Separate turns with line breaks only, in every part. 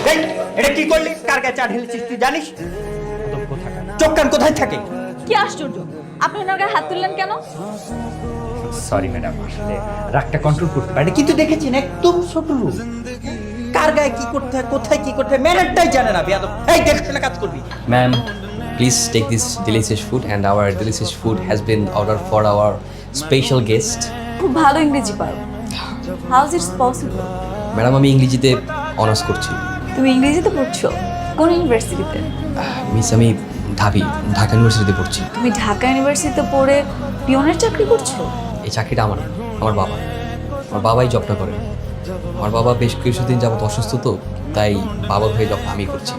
এই এটা কি করলি? কার গায়ে চা ঢেলেছিস তুই জানিস? চোখ কান কোথায় থাকে?
কি আশ্চর্য, আপনি ওনার গায়ে হাত তুললেন কেন?
সরি ম্যাডাম, আসলে রাগটা কন্ট্রোল করতে পারি, কিন্তু দেখেছেন একদম ছোট লোক, কার গায়ে কি করতে হয়, কোথায় কি করতে হয় ম্যানেরটাই জানে না। বেয়াদব, এই দেখে কাজ করবি।
Ma'am, please take this delicious food, and our delicious food has been ordered for our special guest.
খুব ভালো ইংরেজি পারো। How is it's possible?
Madam, আমি ইংরেজিতে অনার্স করছি।
তুমি ইংরেজিতে পড়ছো? কোন ইউনিভার্সিটিতে?
মিস, আমি ঢাকা ইউনিভার্সিটিতে পড়ছি।
তুমি ঢাকা ইউনিভার্সিটিতে পড়ে পিয়নের চাকরি করছো?
এই চাকরিটা আমার না, আমার বাবাই জবটা করে। আমার বাবা বেশ কিছুদিন যাবত অসুস্থ, তো তাই বাবার হয়ে জবটা আমি করছি।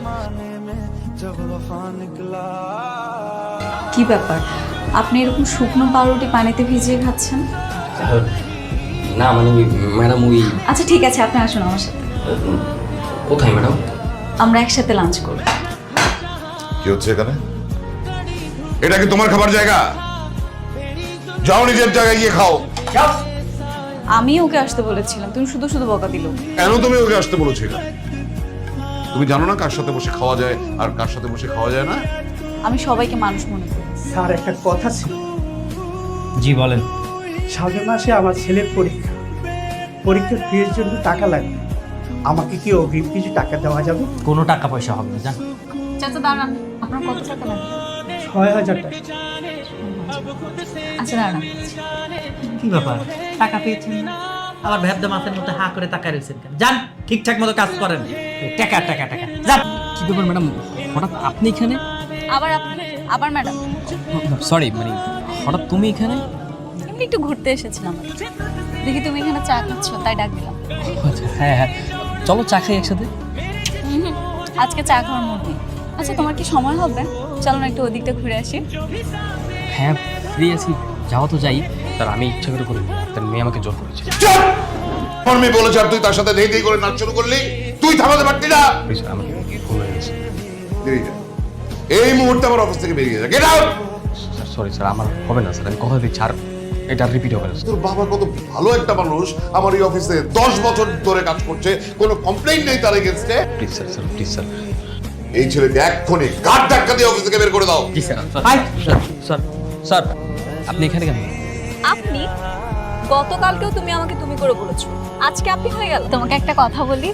কি ব্যাপার, আপনি এরকম শুকনো পাউরুটি পানিতে ভিজিয়ে খাচ্ছেন?
না মানে ম্যাডাম ওই।
আচ্ছা ঠিক আছে, আপনি আসুন আমার সাথে।
কোথায় ম্যাডাম?
আমরা একসাথে লাঞ্চ করব।
কি হচ্ছে এখানে? এটা কি তোমার খাবার জায়গা? যাও নিজের জায়গায় গিয়ে খাও।
আমি ওকে আসতে বলেছিলাম, তুমি শুধু শুধু বকা দিল।
কেন তুমি ওকে আসতে বলেছিলে? তুমি জানো না কার সাথে বসে খাওয়া যায় আর কার সাথে বসে খাওয়া যায় না?
আমি সবাইকে মানুষ মনে করি।
স্যার, একটা কথা ছিল।
জি বলেন।
সামনের মাসে আমার ছেলের পরীক্ষার ফির জন্য টাকা লাগবে। আমাকে কি অগ্রিম কিছু টাকা দেওয়া যাবে?
কোনো টাকা পয়সা হবে না, জান।
চাচা দাঁড়ান, আপনার কত টাকা লাগবে?
৬,০০০ টাকা।
আচ্ছা দাঁড়ান।
কি ব্যাপার, টাকা পেয়েছেন না? আবার ভ্যাবদা মাছের মতো হা করে টাকা রয়েছেন কেন? যান, ঠিকঠাক মতো কাজ করেন। টাকা টাকা টাকা যান।
কি ব্যাপার ম্যাডাম, হঠাৎ আপনি এখানে?
আবার আপনি, আবার ম্যাডাম।
সরি, মানে হঠাৎ তুমি এখানে?
এমনি একটু ঘুরতে এসেছিলাম, দেখি তুমি এখানে চা খাচ্ছ, তাই ডাক দিলাম।
হ্যাঁ হ্যাঁ, চলো চা খাই একসাথে।
আজকে চা খাওয়ার মুড নেই। আচ্ছা তোমার কি সময় হবে? চলো না একটু ওদিকটা ঘুরে আসি।
হ্যাঁ ফ্রি আছি, যাওয়া তো যাই। তার আমি ইচ্ছা করে করি, তার মেয়ে আমাকে জোর করেছে।
চুপ! আমার মেয়ে বলেছে আর তুই তার সাথে ধেই ধেই করে নাচ শুরু করলি? তুই থামাতে পারতি না?
প্লিজ, আমাকে ভুল হয়ে গেছে।
বেরিয়ে যা। এই মুহূর্তে আমার অফিস থেকে বেরিয়ে যা। Get out!
সরি স্যার, আমার হবে না স্যার, আমি কথা দিচ্ছি, আর এটা রিপিট হবে না।
তোর বাবা কত ভালো একটা মানুষ, আমার এই অফিসে 10 বছর ধরে কাজ করছে, কোনো কমপ্লেইন নেই তার এগেইনস্টে।
Please sir, sir please sir.
এই ছেলেকে এক্ষুনি গাড় ধাক্কা দিয়ে অফিস থেকে বের করে দাও।
জি স্যার। স্যার স্যার স্যার, আপনি এখানে কেন?
আপনি গতকালকেও তুমি আমাকে তুমি করে বলেছো, আজকে আপনি হয়ে গেল। তোমাকে একটা কথা বলি।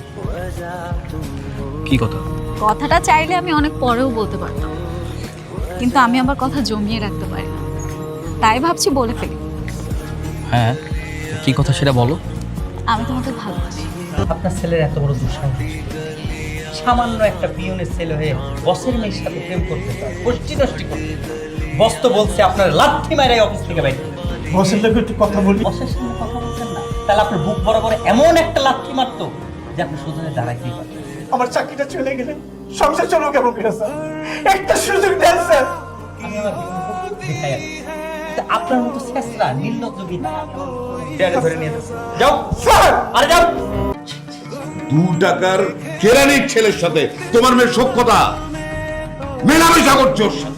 কি কথা?
কথাটা চাইলে আমি অনেক পরেও বলতে পারতাম, কিন্তু আমি আমার কথা জমিয়ে রাখতে পারি না, তাই ভাবছি বলে ফেলি।
হ্যাঁ, কি কথা সেটা বলো।
আমি তোমাকে ভালোবাসি।
আপনার ছেলের এত বড় দুঃসাহস, সামান্য একটা পিয়নের ছেলে হয়ে বসের মেয়ের সাথে প্রেম করতে চায়, গোষ্ঠী নষ্টি করতে। বস তো বলছে আপনার লাথি মারাই অফিস থেকে বাইরে।
বসের লোক একটু কথা বলি।
বসের সামনে কথা বলছেন না, তাহলে আপনার বুক বরাবর এমন একটা লাথি মারতো যে আপনি সোজা হয়ে দাঁড়াইতেই পারতেন।
আমার চাকরিটা চলে গেলে সংসার চলো কেমন করে স্যার? একটা সুযোগ দেন স্যার।
আমি আমার দেখাই আর আপনার মতো শেষরা নির্লজ্জ বিনা ধরে নিয়ে যাচ্ছে। যাও
স্যার,
আরে যাও।
2 টাকার কেরানির ছেলের সাথে তোমার মেয়ের সখ্যতা মেলামেশা করছে ওর সাথে।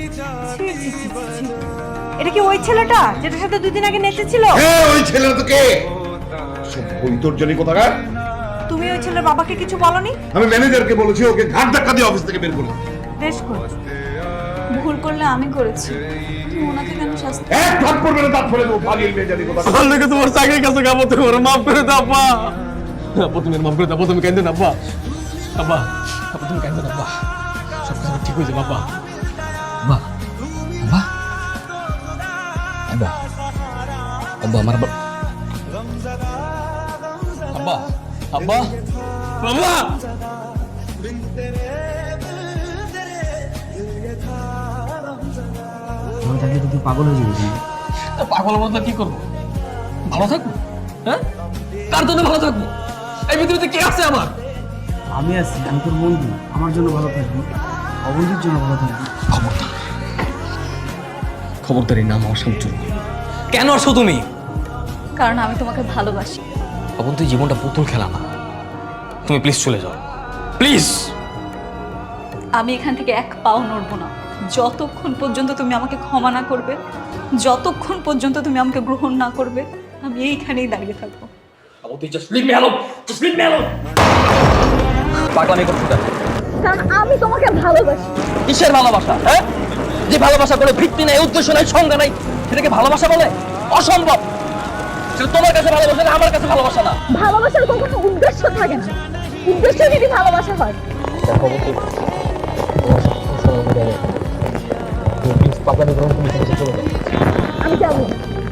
এটা কি ওই ছেলেটা যেটার সাথে 2 দিন আগে নেচেছিল?
হ্যাঁ, ওই ছেলেটা তো কে? সব বৈতর্জনী কোথাকার।
তুমি ওই ছেলের বাবাকে কিছু বলনি?
আমি ম্যানেজারকে বলেছি ওকে ঘাট ধাক্কা দিয়ে অফিস থেকে বের করে দাও।
বেশ করেছো।
ভুল করলে আমি করেছি, তুমি ওনাকে কেন শাস্তি?
এক ভাগ করবে না, তার ফলে দেবো ফাজিল মেজারি কোথাকার।
আমার লেগে তোমার চাকরির কাছে গাবো, তোমার মাফ করে দাও আব্বা। আব্বা তুমি মাফ করে দাও, আব্বা তুমি কেঁদে না আব্বা। আব্বা, আব্বা তুমি কেঁদে না আব্বা, সব কিছু ঠিক হয়ে যাবে আব্বা।
আব্বা, আব্বা, আব্বা, আব্বা আমার আব্বা, আব্বা, আব্বা,
আব্বা
আমি থাকলে তো তুই পাগল হয়ে যাবি।
পাগল মতো কি করবো? ভালো থাকবো? হ্যাঁ, কার জন্য ভালো থাকবো? এই পৃথিবীতে কে আছে আমার?
আমি আছি, আমি তোর বন্ধু। আমার জন্য ভালো থাকবি, অবন্ধির জন্য ভালো থাকবি।
খবরদারি নাম আমার সামনে চুল।
কেন আসো তুমি?
কারণ আমি তোমাকে ভালোবাসি।
অবন, তুই জীবনটা পুতুল খেলা না, তুমি প্লিজ চলে যাও, প্লিজ।
আমি এখান থেকে এক পাও নড়বো না যতক্ষণ পর্যন্ত তুমি আমাকে ক্ষমা না করবে, যতক্ষণ পর্যন্ত তুমি আমাকে গ্রহণ না করবে, আমি এইখানেই দাঁড়িয়ে থাকবো।
অবন, তুই just leave me alone, just leave me alone.
পাগলামি করছো কেন?
কারণ আমি তোমাকে ভালোবাসি।
কিসের ভালোবাসা? হ্যাঁ, যে ভালোবাসা কোনো ভিত্তি নাই, উদ্দেশ্য নাই, সংজ্ঞা নাই, সেটাকে ভালোবাসা বলে? অসম্ভব। সেটা তোমার কাছে ভালোবাসা না, আমার কাছে ভালোবাসা না।
ভালোবাসার কখনো উদ্দেশ্য থাকে না, উদ্দেশ্য যদি ভালোবাসা হয়।
দেখো বন্ধু, পাগলামি করো, তুমি এখান থেকে চলে যাও।
আমি যাবো।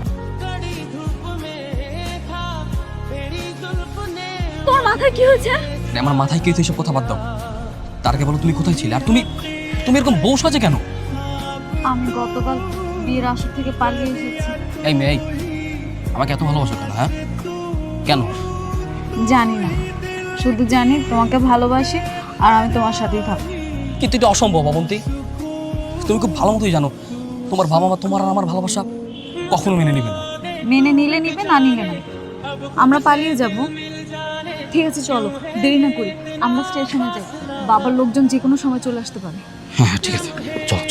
তোমার মাথায় কি হয়েছে?
আমার মাথায় কি এইসব কথা বাদ দাও। তার আগে বলো তুমি কোথায় ছিলে, আর তুমি তুমি এরকম বউ সাজে কেন?
আমি গতকাল বিয়ের আসর থেকে পালিয়ে এসেছি।
এই মেয়ে, আমাকে এত ভালোবাসো কেন? হ্যাঁ, কেন?
জানি না, শুধু জানি তোমাকে ভালোবাসি আর আমি তোমার সাথেই থাকবো।
কিন্তু এটা অসম্ভব অবন্তী। তুমি খুব ভালো মতোই জানো তোমার বাবা মা তোমার আর আমার ভালোবাসা কখনো মেনে নেবে না।
মেনে নিলে নিবে, না নিলে না। আমরা পালিয়ে যাব। ঠিক আছে, চলো, দেরি না করি, আমরা স্টেশনে যাই। বাবার লোকজন যে কোনো সময় চলে আসতে পারে।
হ্যাঁ ঠিক আছে, চলো।